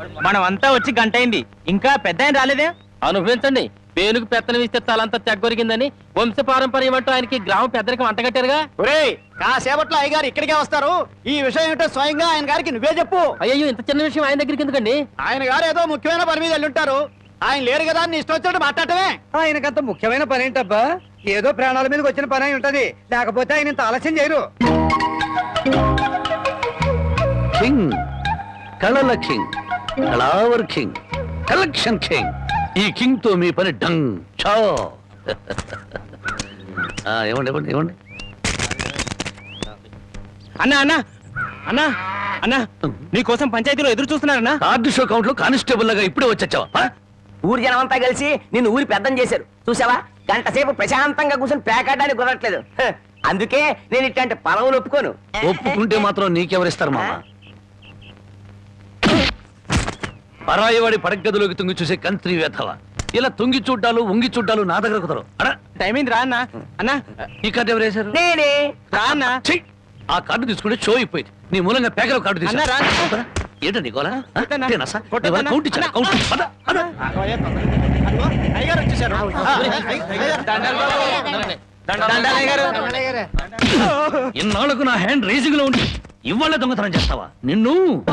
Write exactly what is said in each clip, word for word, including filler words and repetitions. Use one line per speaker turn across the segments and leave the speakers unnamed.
మనం అంతా వచ్చి గంట అయింది, ఇంకా పెద్ద ఆయన రాలేదే.
అనుభవించండి. పేనుకు పెత్తనం ఇస్తే తలంతా తెగ్గొరిగిందని వంశ పారంపర్యం అంటూ ఆయనకి గ్రామ పెద్దరికి వంటగట్టారుగా.
ఒరేయ్, కాసేపట్లో అయ్యగారు ఇక్కడికే వస్తారు. ఈ విషయం ఏంటో స్వయంగా ఆయన గారికి నువ్వే చెప్పు.
అయ్యో, ఇంత చిన్న విషయం ఆయన దగ్గరికి ఎందుకండి?
ఆయన గారు ఏదో ముఖ్యమైన పని మీద వెళ్ళుంటారు. ఆయన లేరు కదా అని ఇష్టం వచ్చినట్టు మాట్లాడటమే.
ఆయనకంత ముఖ్యమైన పని ఏంటబ్బా? ఏదో ప్రాణాల మీదకి వచ్చిన పని అయి ఉంటది, లేకపోతే ఆయన ఇంత ఆలస్యం చేయరు.
కింగ్, కళల కింగ్, కళావర్ కింగ్, కలెక్షన్ కింగ్. ఈ కింగ్ తో మీ పని డంగ్ చో. ఇవ్వండి ఇవ్వండి ఇవ్వండి.
అన్నా అన్నా అన్నా అన్నా నీకోసం పంచాయతీలో ఎదురు చూస్తున్నారన్నా.
కార్డు షో కౌంట్ లో కానిస్టేబుల్ లాగా ఇప్పుడే వచ్చావా?
ఊరి జనం అంతా కలిసి నిన్ను ఊరి పెద్దం చేశారు చూసావా. గంట సేపు ప్రశాంతంగా కూర్చొని పేకాడడానికి కుదరట్లేదు. అందుకే నేను ఇట్లాంటి పొలవులు ఒప్పుకోను.
ఒప్పుకుంటే మాత్రం నీకెవరిస్తారు మామ? పరాయివాడి పడగదిలోకి తుంగి చూసే కంత్రి వేధవ. ఇలా తుంగి చూడ్డాలు ఉంగి చూడ్డాలు నా దగ్గర కుదరు.
టైం అయింది రా అన్నా. అన్నా
ఈ కార్డు ఎవరు వేశారు?
నేనే.
రా అన్నా.
ఆ కార్డు తీసుకుంటే షో అయిపోయింది. నీ మూలంగా పేకల కార్డు తీసుకున్నా. ఏంటో నీకోలా
అయ్యగారు వచ్చేసారు.
ఇన్నాళ్ళకు నా హ్యాండ్ రేసింగ్ లో ఉండి ఇవాళ దొంగతనం చేస్తావా? నిన్ను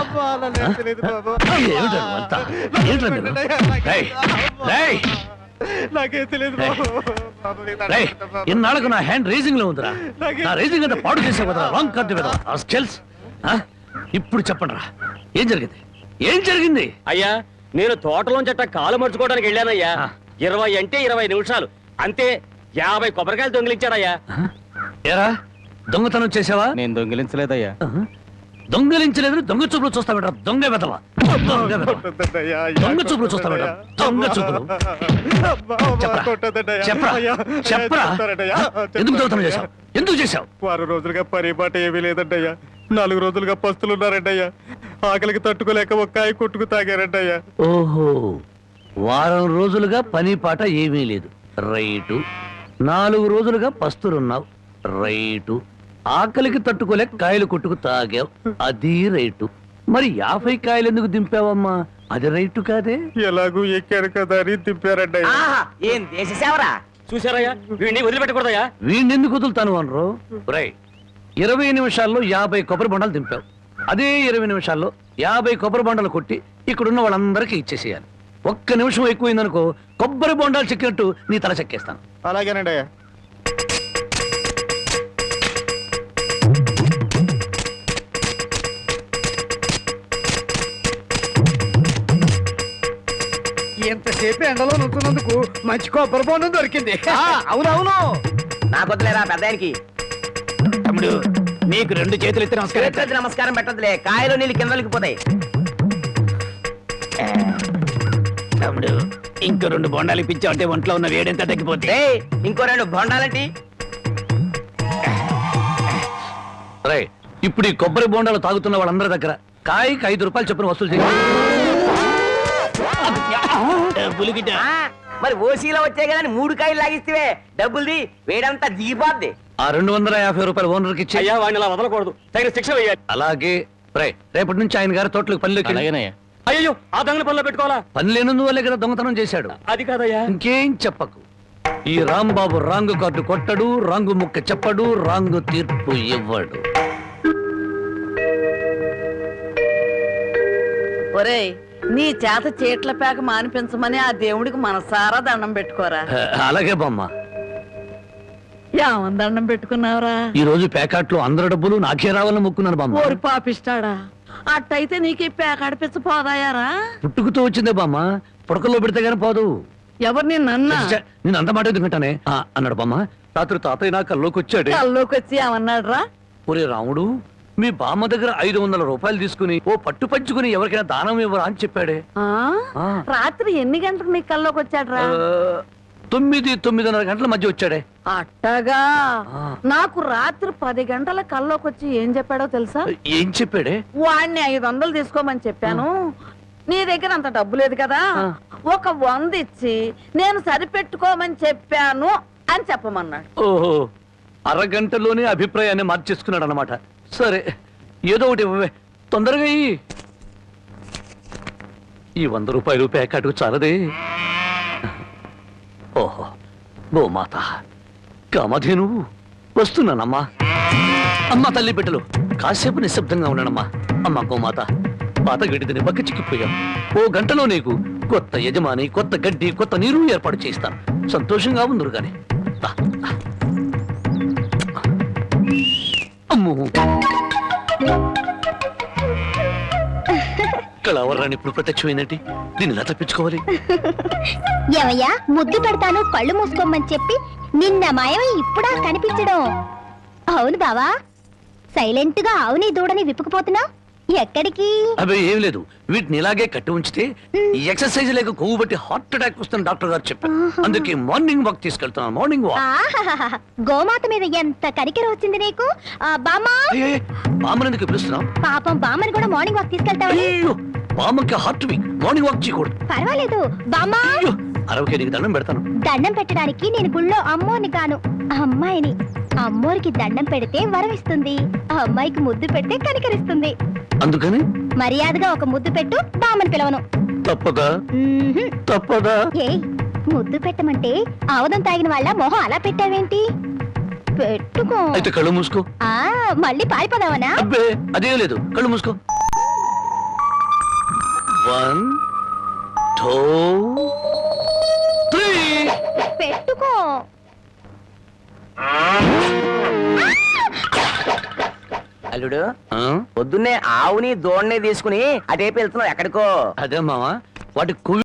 ఇన్నాళ్ళకు నా హ్యాండ్ రేసింగ్ లో ఉందిరా. నా రేసింగ్ అంతా పాడు చేసే కదా రాంగ్ కార్డు కదా. ఇప్పుడు చెప్పండి రా, ఏం జరిగింది? ఏం జరిగింది?
అయ్యా, నేను తోటలోంచి అట్ట కాలు మర్చుకోవడానికి వెళ్ళానయ్యా. ఇరవై అంటే ఇరవై నిమిషాలు అంతే. యాభై కొబ్బరికాయలు దొంగిలించాడయ్యా.
ఏరా, దొంగతనం చేసావా?
నేను దొంగిలించలేదయ్యా.
దొంగలించలేదు, దొంగ చూపులు చూస్తా బెటర్. దొంగ వెదవా, దొంగ చూపులు చూస్తా బెటర్. దొంగ చూపులు చెప్పరా చెప్పరా ఎందుకు దొంగతనం చేశావు? ఎందుకు చేశావు?
వారం రోజులుగా పరిపాట ఏమీ లేదంటయ్యా. నాలుగు రోజులుగా పస్తులున్నారంటయ్యా. ఆకలికి తట్టుకోలేక ఒక్కాయ కొట్టుకు తాగారంటయ్యా.
ఓహో, వారం రోజులుగా పని పాట ఏమీ లేదు. రైటు. నాలుగు రోజులుగా పస్తులున్నావు. రైటు. ఆకలికి తట్టుకోలేక కాయలు కొట్టుకు తాగావు. అది రైటు. మరి యాభై కాయలు ఎందుకు దింపావమ్మా? అది రైటు కాదే.
ఎలాగూ ఎక్కారు కదా అని దింపారంటయ్యా.
ఏం దేశ సేవరా.
చూసారయ్యా, వీడిని వదిలిపెట్టకూడదయ్యా.
వీడిని ఎందుకు వదులుతాను అనరు? రై, ఇరవై నిమిషాల్లో యాభై కొబ్బరి బొండాలు దింపావు. అదే ఇరవై నిమిషాల్లో యాభై కొబ్బరి బొండాలు కొట్టి ఇక్కడున్న వాళ్ళందరికీ ఇచ్చేసేయాలి. ఒక్క నిమిషం ఎక్కువైందనుకో కొబ్బరి బొండాలు చెక్కినట్టు నీ తల చెక్కేస్తాను.
అలాగేనండి అయ్యా.
ఎంతసేపు ఎండలో నుంచున్నందుకు మంచి కొబ్బరి బొండం దొరికింది.
అవునవును.
నాకు వద్దులేరా పెద్దానికి.
తమ్ముడు, నీకు రెండు చేతులు ఎత్తి నమస్కారం.
నమస్కారం పెట్టదులే, కాయలు నీళ్ళు కిందలకి పోతాయి.
తమ్ముడు, ఇంకో రెండు బొండాలు ఇప్పించావు అంటే ఒంట్లో ఉన్న వేడెంత తగ్గిపోతే.
ఇంకో రెండు బొండాలంటి.
రై, ఇప్పుడు ఈ కొబ్బరి బొండాలు తాగుతున్న వాళ్ళందరి దగ్గర కాయకి ఐదు రూపాయలు చొప్పున వసూలు చేయాలి.
మరి ఓసీలో వచ్చాయి కదా మూడు కాయలు లాగిస్తే డబ్బుల్ది వేడంతా దిగిపోద్ది.
ఆ రెండు వందల యాభై రూపాయలు ఓనర్కి ఇచ్చి.
అయ్యా, వాడిని అలా వదలకూడదు, తగిన శిక్ష వేయాలి.
అలాగే. రై, రేపటి నుంచి ఆయన గారి తోటలకు పనిలోకి.
అయ్యో, ఆ దొంగల పనిలో పెట్టుకోవాలా?
పని లేనందువల్లే కదా దొంగతనం చేశాడు.
అది కాదయ్యా.
ఇంకేం చెప్పకు. ఈ రాంబాబు రాంగు కార్డు కొట్టడు, రాంగు ముక్క చెప్పడు, రాంగు తీర్పు ఇవ్వడు.
ఒరేయ్, నీ చేత చీట్ల పేక మానిపించమని ఆ దేవుడికి మనసారా దండం పెట్టుకోరా.
అలాగే బామ్మ.
ఏమని దండం పెట్టుకున్నావురా?
ఈ రోజు ప్యాకెట్లో అందరి డబ్బులు నాకే రావాలని మొక్కున్నాను బామ్మ.
ఓరి పాపిస్తాడా, అట్టయితే నీకు ఈ పేక అడిపించ పోదాయారా?
పుట్టుకుతూ వచ్చిందే బామ్మ, పుడకల్లో పెడితే గానీ పోదు.
ఎవరు నిన్న
నేను అంత మాట ఎందుకంటానే అన్నాడు బామ్మ. రాత్రి తాతయ్య నా కల్లోకి వచ్చాడు.
కల్లోకి వచ్చి ఏమన్నాడు రా?
ఒరే రాముడు, మీ బామ్మ దగ్గర ఐదు వందల రూపాయలు తీసుకుని ఓ పట్టు పంచుకుని ఎవరికైనా దానం ఇవ్వరా అని చెప్పాడే.
రాత్రి ఎన్ని గంటలకు నీ కల్లోకి వచ్చాడు రా?
తొమ్మిది తొమ్మిదిన్నర గంటల మధ్య వచ్చాడే.
అట్టగా. నాకు రాత్రి పది గంటల కల్లోకి వచ్చి ఏం చెప్పాడో తెలుసా?
ఏం చెప్పాడే?
వాడిని ఐదు వందలు తీసుకోమని చెప్పాను. నీ దగ్గర అంత డబ్బు లేదు కదా, ఒక వంద ఇచ్చి నేను సరిపెట్టుకోమని చెప్పాను అని చెప్పమన్నాడు.
ఓహో, అరగంటలోనే అభిప్రాయాన్ని మార్చేసుకున్నాడు అనమాట. సరే, ఏదో ఒకటి తొందరగా. ఈ వంద రూపాయలు ప్యాకెట్కు చాలదే. ఓహో, గోమాత కామధేను వస్తున్నానమ్మా. అమ్మ తల్లి బిడ్డలు కాసేపు నిశ్శబ్దంగా ఉన్నానమ్మా. అమ్మ గోమాత, పాత గడ్డిని పక్క చిక్కిపోయాం. ఓ గంటలో నీకు కొత్త యజమాని, కొత్త గడ్డి, కొత్త నీరు ఏర్పాటు చేస్తాను. సంతోషంగా ఉందరు గాని. దా, దా. అమ్మో, కళావరాన్ని ఇప్పుడు ప్రత్యక్షమైందంటే దీన్ని ఎలా తప్పించుకోవాలి?
ఏమయ్యా, ముద్దు పెడతాను కళ్ళు మూసుకోమని చెప్పి నిన్న మాయమై ఇప్పుడా కనిపించడం? అవును బావా, సైలెంట్ గా ఆవుని దూడని విప్పుకుపోతున్నా ఎక్కడికి?
అవి ఏం లేదు, వీటిని ఇలాగే కట్టి ఉంచితే ఈ ఎక్సర్సైజ్ లేక కొవ్వు బట్టి హార్ట్ అటాక్ వస్తుంది డాక్టర్ గారు చెప్పారు. అందుకే మార్నింగ్ వాక్ తీసుకెళ్తున్నాను. Morning walk.
ఆహాహాహా, గోమాత మీద ఎంత కరికెర వచ్చింది నీకు. ఆ, బామ్మా,
బామ్మనందుకు పిలుస్తున్నాం.
పాపం బామ్మని కూడా మార్నింగ్ వాక్ తీసుకెళ్తావా?
అయ్యో, బామ్మకి హార్ట్ వీక్, మార్నింగ్ వాక్ చేయకూడదు.
పర్వాలేదు బామ్మా,
అయ్యో, అరవకే నీకు దండం పెడతాను.
దండం పెట్టడానికి నేను గుళ్ళో అమ్మోని కాను, అమ్మాయిని. అమ్మోరికి దండం పెడితే వరం ఇస్తుంది, ఆ అమ్మాయికి ముద్దు పెడితే కనికరిస్తుంది.
అందుకని
మర్యాదగా ఒక ముద్దు పెట్టు, బామ్మని పిలవను.
తప్పదా?
మ్మ్హ్మ్.
తప్పదా?
ఏయ్, ముద్దు పెట్టమంటే ఆవదం తాగిన వాళ్ళ మొహం అలా పెట్టావేంటి? పెట్టుకో.
అయితే కళ్ళు మూసుకో.
ఆ, మళ్ళీ పారిపోదావనా?
అబ్బే, అదేం లేదు, కళ్ళు మూసుకో. One two three.
పెట్టుకో.
అల్లుడు,
ఆ?
పొద్దున్నే ఆవుని దోణ్ణి తీసుకుని అటేపు వెళ్తున్నావు ఎక్కడికో?
అదే మావా, వాటి కొవ్వు